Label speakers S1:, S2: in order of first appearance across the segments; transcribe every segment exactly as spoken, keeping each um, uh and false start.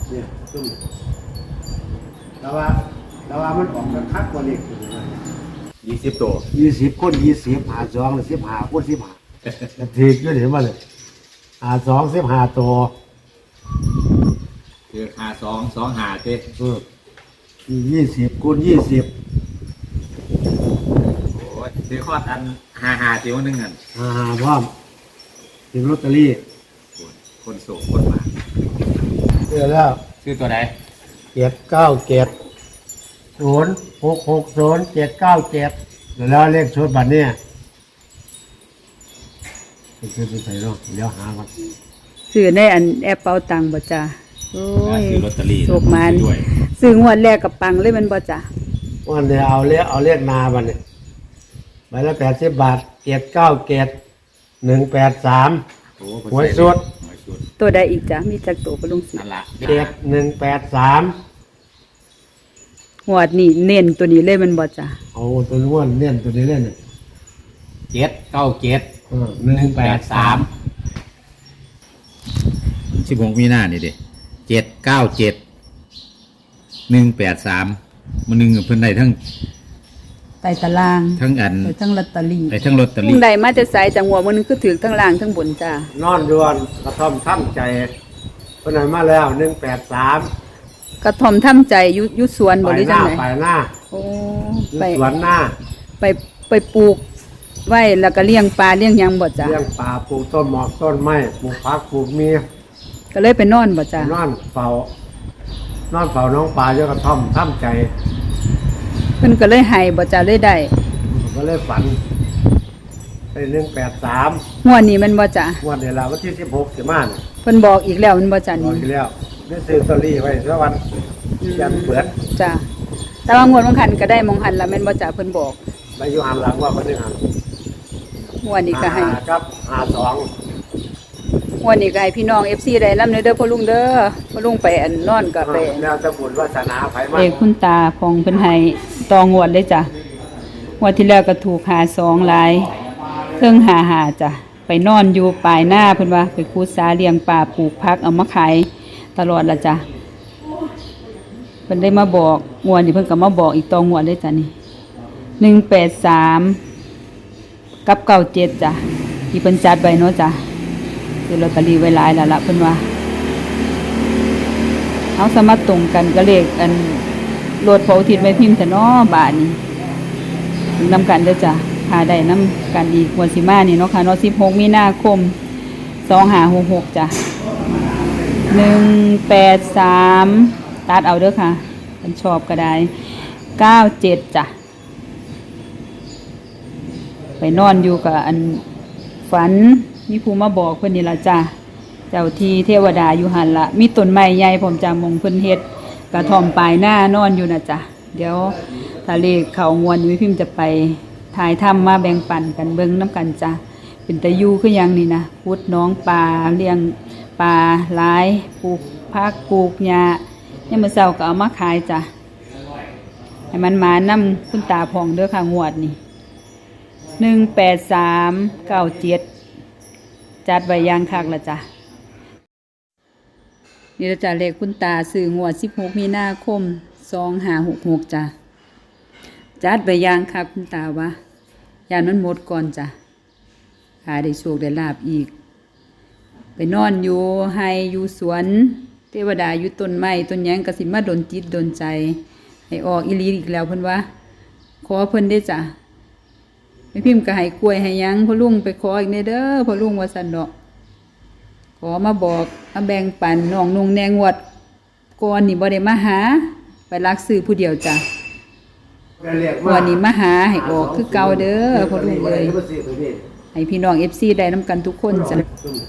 S1: เนี่ยซุ่มแล้วว่าแล้วว่ามันออกกันคักกว่าเล็กอยู่นะ
S2: ยี่สิบตัว
S1: ยี่สิบคนยี่สิบหาสองสิบหาคนสิบหาทีก็เห็นมาเลยหาสองสิบหาตัว
S2: คือหาสองสองหาเจ๊
S1: เออยี่สิบคูณยี่สิบ
S2: โอ้ยซื้อข้ออันหาหาเจียวนึงอัน
S1: หาหาพร้อมถึงลอตเตอรี่
S2: คนโสดคนมา
S1: เจอแล้ว
S2: ซื้อตัวไหน
S1: เจ็ดเก้าเจ็ดศูนย์หกหกศูนย์เจ็ดเก้าเจ็ดแล้วเลขชุดบัตรเนี่ยไปซื้อไปใส่เนาะเดี๋ยวหาก่อน
S3: ซื้อในอันแอปเป๋าตังค์บ่จ้าโอ้ย
S2: ซื้อลอตเตอรี่
S3: โชคมันซื้องวดแรกกับปังเลยมันบ่จ้า
S1: วันเดียวเอาเลขเอาเลขนาบัตรเนี่ยใบละแปดสิบบาทเจ็ดเก้าเจ็ดหนึ่งแปดสามหวยสุด
S3: ตัวใดอีกจ้ะมีจักตัวปลุงสิ
S2: นั่นละ
S1: เจ็ดหนึ่งแปดสาม
S3: งวดนี่เน้นตัวนี้เลยมันบ่จ้ะ
S1: เอาตัวนี้ว่าเน้นตัวนี้เล่น
S2: เจ็ดเก้าเจ็ด
S1: หนึ่งแปดสาม
S2: สิบหกมีหน้านี่เด็เจ็ดเก้าเจ็ดหนึ่งแปดสามมันหนึ่งเพิ่นได้ทั้ง
S3: ไต่ตาราง
S2: ทั้งอัน
S3: ทั้งลอตเตอรี่
S2: ไอ้ทั้งลอตเตอรี่
S3: ผู้ใดมาจะใส่จังหวะมันนึงคือถือทั้งล่างทั้งบนจ้าน
S1: อนดวนกระท่อมท่ำใจเพิ่นให้มาแล้วหนึ่งแปดสาม
S3: กระท่อมท่ำใจยุยุสวนบ่หรือจังไหน
S1: ไปหน้า
S3: โอ้
S1: ไปสวนหน้า
S3: ไปไปปลูกไว้แล้วก็เลี้ยงปลาเลี้ยงหยังบ่จ้ะ
S1: เลี้ยงปลาปลูกต้นหมอกต้นไม้ปลูกผักปลูกเมีย
S3: ก็เลยไปนอนบ่จ้ะ
S1: นอนเฝ้านอนเฝ้าน้องปลาอยู่กระท่อมท่ำใจ
S3: เพิ่นก็เลยให้บ่จ้ะเลยได้
S1: ก็เลยฝันไปหนึ่งแปดสาม
S3: งวดนี้มันบ่จ้ะ
S1: งวดเดี๋ยวเราวันที่สิบหกสิมาเนี่ย
S3: เพิ่นบอกอีกแล้วมันบ่จ้ะ
S1: นี่บอกอีกแล้วได้ซื้อลอตเตอรี่ไว้สักวันยันเปิด
S3: จ้ะแต่ว่างวดบางคันก็ได้มองหันละแม่นบ่จ้ะเพิ่นบอก
S1: ไปอยู่หันหลังว่าเพิ่นได้หัน
S3: งวดนี้ก็ให้
S1: ครับหาสอง
S3: งวดนี้ก็ให้พี่น้อง เอฟ ซี ได้นำเด้อพ่อลุงเด้อพ่อลุงไปอันนอนก็ไป
S1: แล้วจะบุญวาสนาไผมา
S3: เอกคุณตาพองเพิ่นให้ต่องวดเลยจ้ะงวดที่แล้วก็ถูกหาสองหลายเพิ่งหาหาจ้ะไปนอนอยู่ปลายหน้าเพิ่นว่าไปคูดสาเลี้ยงปลาปลูกผักเอามาขายตลอดละจ้ะเพิ่นได้มาบอกงวดนี้เพิ่นก็มาบอกอีกต่องวดเลยจ้ะนี่หนึ่งแปดสามกับเก้าเจ็ดจ้ะที่เพิ่นจัดไว้เนาะจ้ะคือลอตเตอรี่ไว้หลายแล้วล่ะเพิ่นว่าเอาสามารถตรงกันก็เลขอันรถเผาทิศไว้พิมพ์แต่น้อบาทนี้นำกันเด้อจ้ะพาได้นำกันอีกวันสิมานี่เนาะค่ะเนาะสิบหกมีนาคมสองห้าหกหกจ้ะหนึ่งแปดสามตัดเอาเด้อค่ะมันชอบก็ได้เก้าเจ็ดจ้ะไปนอนอยู่กับอันฝันมีผู้มาบอกเพิ่นนี่ล่ะจ้ะเจ้าที่เทวดาอยู่หันละมีต้นไม้ใหญ่ผมจำมงเพิ่นเฮ็ดกระท่อมปลายหน้านอนอยู่นะจ้ะเดี๋ยวถ้าเลขเข้างวดนี้พิมพ์จะไปถ่ายทำมาแบ่งปันกันเบิ่งน้ำกันจ้ะเป็นตะยูคือยังนี่นะพุดน้องปลาเลี้ยงปลาหลายปลูกผักปลูกหญ้าเนี่ยมื้อเช้าก็เอามาขายจ้ะให้มันมานำคุณตาพองเด้อค่ะงวดนี้หนึ่งแปดสามเก้าเจ็ดจัดไว้ยางคักละจ้ะนี่ละจ้ะเลขคุณตาซื้องวดสิบหกมีนาคมสองห้าหกหกจ้ะจัดไว้ยางคักคุณตาวะยานมันหมดก่อนจ้ะหาได้โชคได้ลาบอีกไปนอนอยู่ให้อยู่สวนเทวดาอยู่ต้นไม้ต้นหยังกสิมาดนจิตดนใจให้ออกอีหลีอีกแล้วเพิ่นว่าขอเพิ่นได้จ้ะไม่พิมพ์ก็ให้กล้วยให้ยังพ่อลุงไปขออีกในเด้อพ่อลุงว่าสันดอกขอมาบอกมาแบ่งปันน้องนุ่งแนงวดก่อนนี่บ่ได้มาหาไปรักซื้อผู้เดียวจ้ะวันนี้มาหาให้ออกคือเก่าเด้อพ่อลุงเลยให้พี่น้อง เอฟ ซี ได้นำกันทุกคนจ้ะ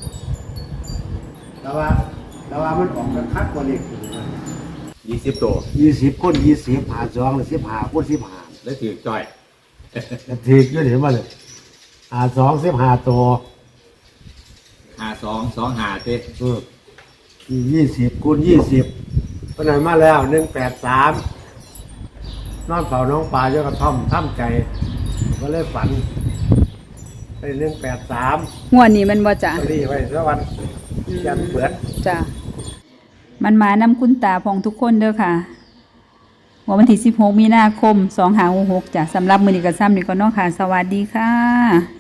S1: แล้วว่าแล้วว่ามันออกกันคักกว่าเล็กอยู่นะ
S2: ยี่สิบตัว
S1: ยี่สิบคนยี่สิบหาสองสิบหาคนสิบหา
S2: แล้วถือจ่อย
S1: ทีก็เห็นมาเลยหาสองสิบหาตัว
S2: หาสองสองหาเจ๊
S1: เออยี่สิบคูณยี่สิบเพิ่นให้มาแล้วหนึ่งแปดสามนอนเฝ้าน้องปลาอยู่กระท่อมท่ำใจก็เลยฝันไปหนึ่งแปดสาม
S3: งวดนี้มันบ่จ้ะ
S1: ลอตเตอรี่ไว้สักวันยันเปิด
S3: จ้ะมันมานำคุณตาพองทุกคนเด้อค่ะวันที่สิบหกมีนาคมสองห้าหกหกจ้ะสำหรับมื้อนี้ก็ซ้ำนี่ก็เนาะค่ะสวัสดีค่ะ